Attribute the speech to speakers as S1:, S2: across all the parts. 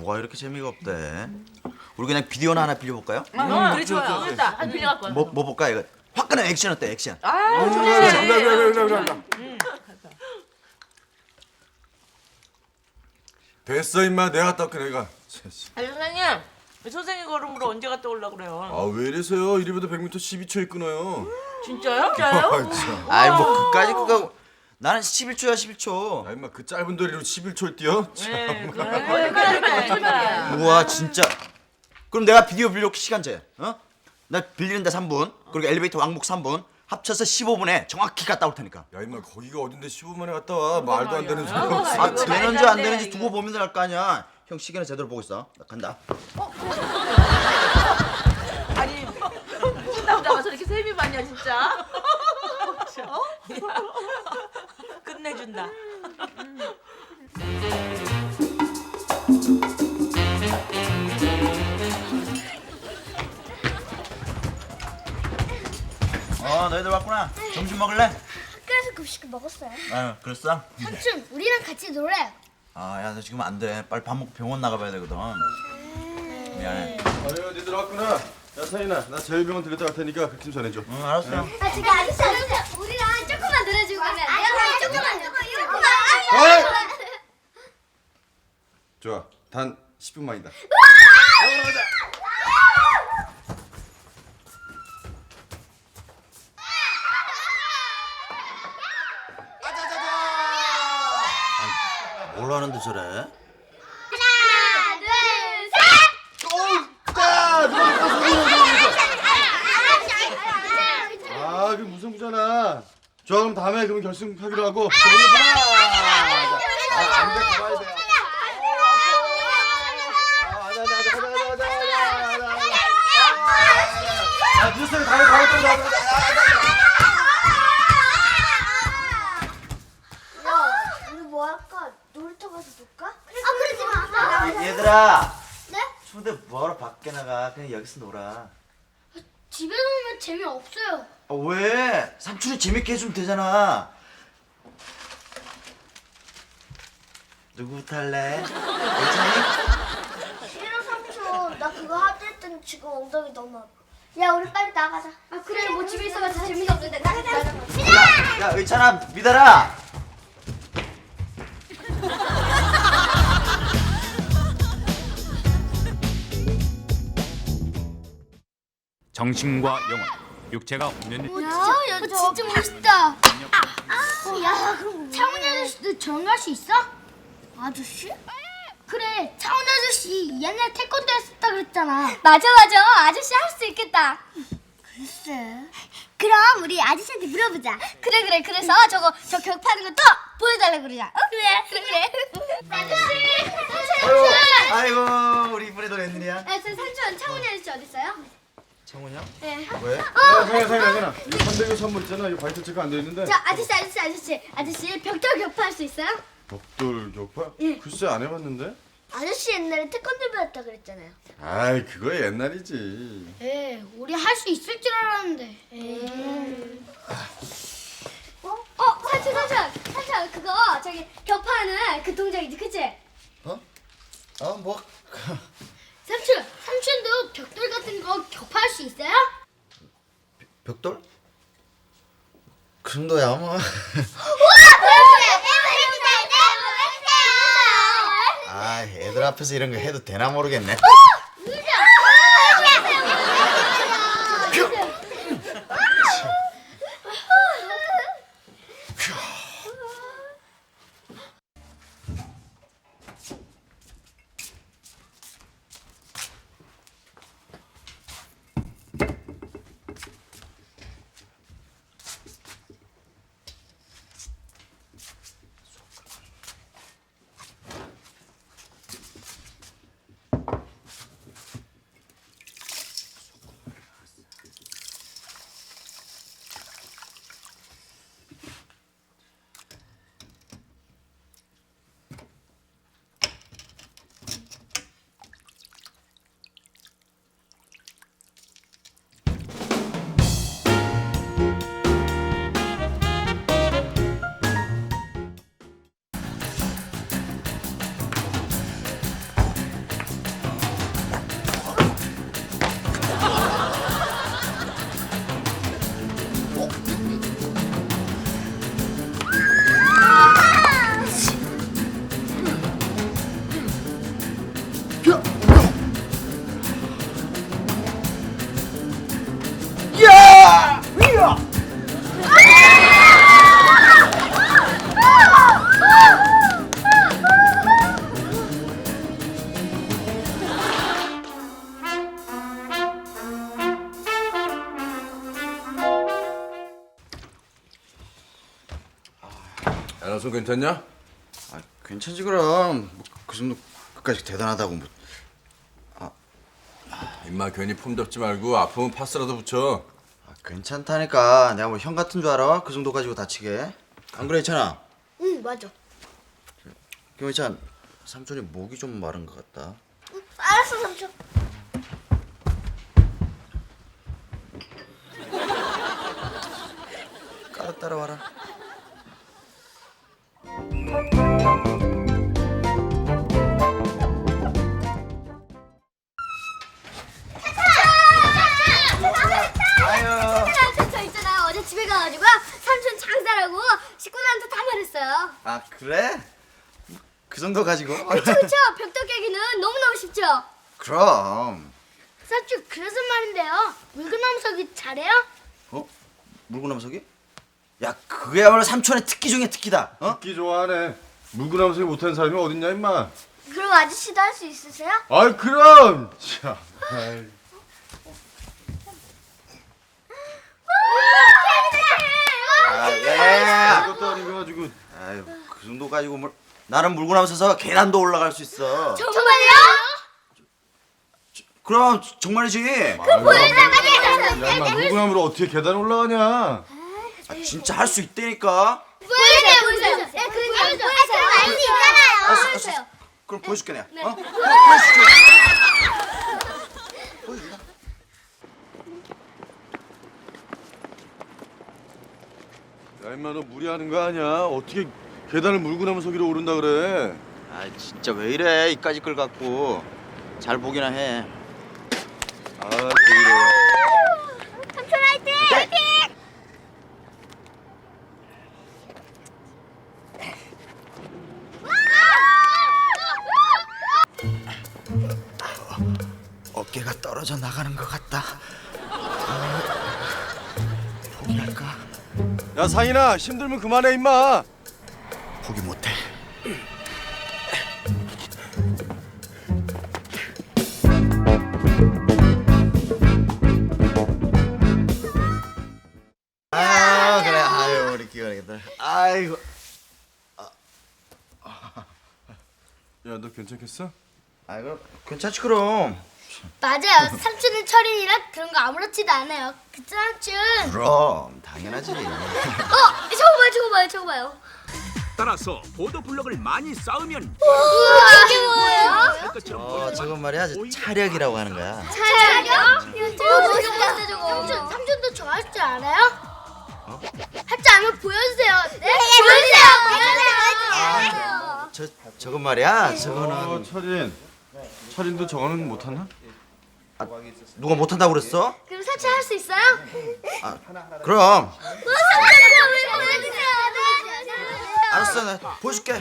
S1: 뭐가 이렇게 재미가 없대? 우리 그냥 비디오나 하나 빌려볼까요?
S2: 그래 좋아요. 됐다. 한 빌려갖고 와.
S1: 뭐 볼까 이거? 화끈한 액션 어때? 액션.
S3: 됐어 임마 내가 갔다 올게 내가.
S2: 아니 선생님, 선생님 걸음으로 언제 갔다 오려고 그래요?
S3: 아 왜 이래서요? 1위부터 100m 12초에 끊어요.
S2: 진짜요?
S3: 아 참.
S1: 아이 뭐 그까짓 거가 나는 11초야 11초.
S3: 아 임마 그 짧은 도리로 11초를 뛰어?
S2: 네, 그래.
S1: 우와 진짜. 그럼 내가 비디오 빌려 시간 재. 어? 나 빌리는데 3분. 그리고 엘리베이터 왕복 3분. 합쳐서 15분에 정확히 갔다 올 테니까.
S3: 야 임마 거기가 어딘데 15분만에 갔다 와. 말도 안 되는 소리.
S1: 아 되는지 안 되는지 두고 보면 알 거 아니야. 형 시계는 제대로 보고 있어. 나 간다.
S2: 아니 무슨 남자가 저렇게 세비 많냐 진짜? 어? 끝내준다.
S1: 너희들 왔구나. 점심 먹을래?
S4: 학교에서 급식 먹었어요.
S1: 아유 그랬어?
S4: 삼촌, 우리랑 같이 놀아요.
S1: 야 너 지금 안 돼. 빨리 밥 먹고 병원 나가봐야 되거든. 미안해.
S3: 아유 니들 왔구나. 야 서인아 나 제일병원 들렸다 갈 테니까 그 팀 전해줘.
S1: 응 알았어.
S4: 아, 저기 아저씨, 우리랑 조금만 놀아주고 가면 안 돼요? 조금만.
S3: 어이! 좋아 단 10분만이다.
S1: 뭘 하는데 저래?
S4: 하나, 둘, 셋.
S3: 아 그 무슨 부잖아. 좋아 그럼 다음에 그럼 결승하기로 하고. 안돼 가봐야 돼. 아 뉴스에 다음에
S4: 야, 우리 뭐 할까? 놀이터 가서 놀까? 그러지 마.
S1: 얘들아.
S4: 네?
S1: 추운데 뭐하러 밖에 나가? 그냥 여기서 놀아.
S4: 집에 놀면 재미없어요.
S1: 왜? 삼촌이 재밌게 해주면 되잖아. 누구 탈래? 괜찮니?
S4: 싫어, 삼촌. 나 그거 하들 땐 지금 엉덩이 너무 아파. 야, 우리 빨리 나가자. 아, 그래. 뭐 집에 있어봐서 재미가 없는데. 나가자.
S1: 야 의찬아 믿어라.
S5: 정신과 영혼, 육체가 없는
S4: 야, 진짜 멋있다. 야, 그럼 창훈이 아저씨도 저런 거 할 수 있어? 아저씨? 그래, 창훈이 아저씨 옛날 태권도 했었다 그랬잖아. 맞아. 아저씨 할 수 있겠다. 글쎄. 그럼 우리 아저씨한테 물어보자. 그래. 그래서 저 격파하는 것도 보여달라고 그러자. 그래. 아저씨!
S1: 아이고 우리 이번에도 웬일이야?
S4: 삼촌, 창훈이 아저씨 어디 있어요?
S1: 창훈이 형?
S4: 네.
S1: 왜?
S3: 야 서인아 이거 300개 선물 있잖아. 이거 바이트 체크 안 돼 있는데.
S4: 저 아저씨 벽돌 격파할 수 있어요?
S3: 벽돌 격파?
S4: 예.
S3: 글쎄 안 해봤는데.
S4: 아저씨 옛날에 태권도 배웠다 그랬잖아요.
S3: 아이 그거 옛날이지.
S4: 에, 우리 할 수 있을 줄 알았는데. 삼촌, 그거 저기 격파하는 그 동작이지, 그치?
S1: 뭐?
S4: 삼촌도 벽돌 같은 거 격파할 수 있어요?
S1: 벽돌? 그 정도야 뭐. 아 애들 앞에서 이런 거 해도 되나 모르겠네.
S3: 야, 손 괜찮냐?
S1: 아, 괜찮지 그럼. 그 정도 끝까지 대단하다고 뭐.
S3: 임마 괜히 폼 잡지 말고 아프면 파스라도 붙여.
S1: 괜찮다니까. 내가 뭐 형 같은 줄 알아? 그 정도 가지고 다치게. 안 그래 이찬아?
S4: 응 맞아.
S1: 김희찬, 삼촌이 목이 좀 마른 것 같다.
S4: 알았어 삼촌.
S1: 따라와라.
S4: 저 있잖아요. 어제 집에 가가지고 삼촌 장사라고 식구들한테 다 말했어요.
S1: 아 그래? 그 정도 가지고?
S4: 그쵸 벽돌 깨기는 너무너무 쉽죠.
S1: 그럼.
S4: 삼촌 그래서 말인데요. 물구나무서기 잘해요?
S1: 어? 물구나무서기? 야 그게야말로 삼촌의 특기 중에 특기다. 어?
S3: 듣기 좋아하네. 물구나무서기 못하는 사람이 어딨냐 임마.
S4: 그럼 아저씨도 할 수 있으세요?
S3: 아이 그럼. 참. 아이.
S1: 아 예.
S3: 그것도 아니고 가지고.
S1: 아유 그 정도 가지고 뭘? 나는 물구나무 서서 계단도 올라갈 수 있어.
S4: 정말요?
S1: 그럼 정말이지.
S3: 야 임마 물구나무로 어떻게 계단 올라가냐?
S1: 아, 진짜 할 수 있다니까.
S4: 보여주세요. 네, 보여주세요. 그럼 알수 있잖아요. 보여주세요.
S1: 그럼 보여줄게 내가. 어? 보여줄게.
S3: 야 임마 너 무리하는 거 아니야? 어떻게 계단을 물구나무서기로 오른다 그래?
S1: 아 진짜 왜 이래 이까지 끌 갖고. 잘 보기나 해.
S3: 아 그래.
S4: 삼촌 화이팅! 화이팅!
S1: 어깨가 떨어져 나가는 것 같다. 포기할까?
S3: 야 상인아 힘들면 그만해 임마.
S1: 포기 못해. 아 그래. 아유 우리 기원이들. 아이고.
S3: 야 너 괜찮겠어?
S1: 아이고 괜찮지 그럼.
S4: 맞아요. 삼촌은 철인이라 그런 거 아무렇지도 않아요. 그쵸 삼촌?
S1: 그럼 당연하지.
S4: 저거 봐요.
S5: 따라서 보도 블록을 많이 쌓으면
S4: 우와 이게 뭐예요?
S5: 것처럼
S1: 저건 말이야 차력이라고 하는 거야.
S4: 차려? 멋있다 저거. 삼촌도 저 할 줄 알아요? 할 줄 알면 보여주세요. 네? 보여주세요.
S1: 저건 말이야.
S3: 어
S1: 저거는
S3: 철인도 저거는 못하나?
S1: 누가 못한다고 그랬어?
S4: 그럼 삼촌 할 수 있어요?
S1: 그럼.
S4: 보여주세요.
S1: 알았어 나 보여줄게.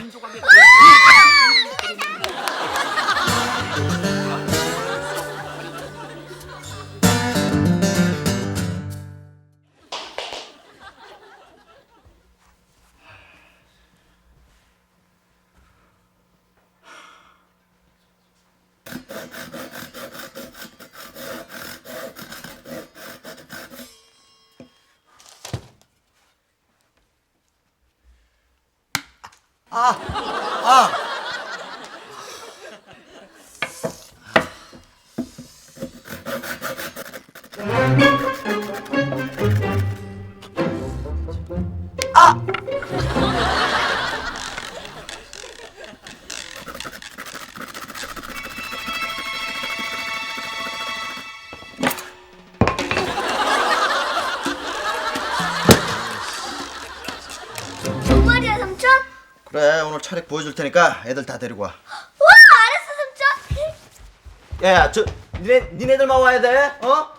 S4: 정말이야 삼촌?
S1: 그래 오늘 차력 보여줄 테니까 애들 다 데리고 와.
S4: 와 알았어 삼촌.
S1: 야야 저 니네들만 와야 돼. 어?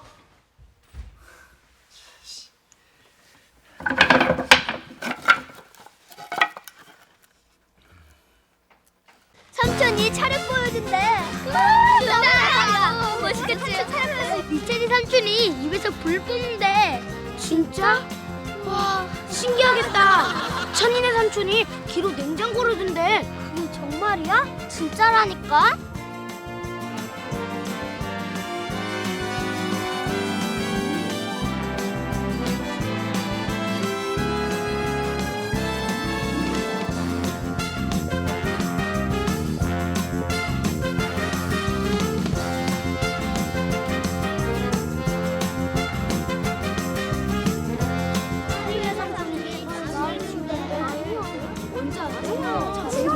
S4: 삼촌이 차력 보여준대. 멋있겠지? 이찬이 삼촌이 입에서 불 뿜는데. 진짜? 와 신기하겠다. 찬이네 삼촌이 귀로 냉장고를 둔대. 그게 정말이야? 진짜라니까?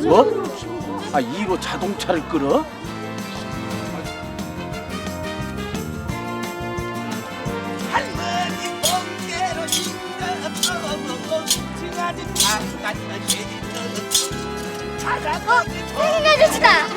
S6: 뭐? 아, 2로 자동차를 끌어?
S4: 세균 아저씨다.